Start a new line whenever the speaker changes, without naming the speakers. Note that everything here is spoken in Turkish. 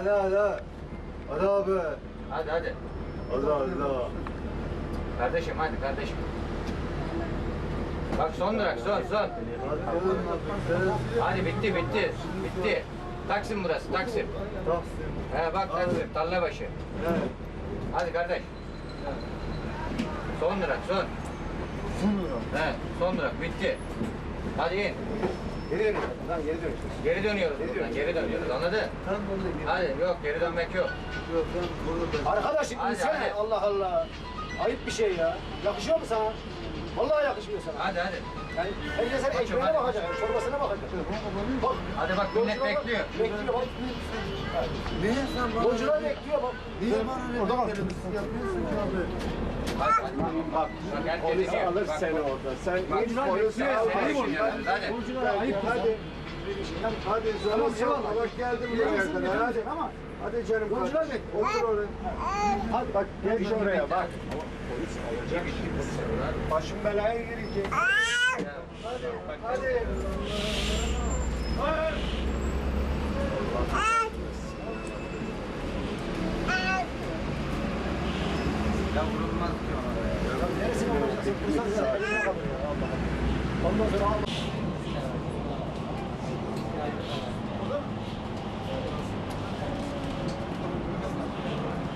hadi. Hadi abi.
Hadi hadi.
Hadi.
Kardeşim hadi kardeşim. Bak son durak son. Hadi bitti. Taksim burası Taksim. He bak Taksim Tarlabaşı.
Evet.
Hadi kardeş. Son durak son. He son durak bitti. Hadi in.
Geri dönüyoruz. Lan geri dönüyoruz.
Geri dönüyoruz buradan. Geri dönüyoruz anladın?
Sen burada geri.
Hadi yok geri dönmek yok.
Yok ben burada.
Arkadaş
Hadi,
insene.
hadi.
Allah Allah. Ayıp bir şey ya. Yakışıyor mu sana? Vallahi yakışmıyor sana.
Hadi.
Yani herkes senin
Koçum,
ekmeğine
hadi.
bakacak, çorbasına bakacak. Bak.
Hadi bak millet
yolcular
bekliyor.
Bekliyor bak.
Niye sen bana?
Yolcular bekliyor bak.
Niye bana ne beklemişsin? Yapıyorsun ki abi.
Hadi. Bak herkes
Polis
diyor.
alır
Bak,
seni
bak.
orada. Sen
Bak,
hiç
bak,
polisi
bak,
alır.
seni düşünüyoruz, hadi.
Yolculara ayıp
Hadi. Hadi
Tamam,
canım
eyvallah.
bak geldim
Gelirsin,
buraya kadar. Hadi.
getireceksin ama.
Hadi canım.
Yolcular
bak.
bekliyor.
Otur oraya.
Hadi bak geç oraya bak.
Polis alacak işte.
Başım belaya girecek.
Hadi.
Ya vurulmaz ki ona da ya.
Neresine olacaksın? Ondan sonra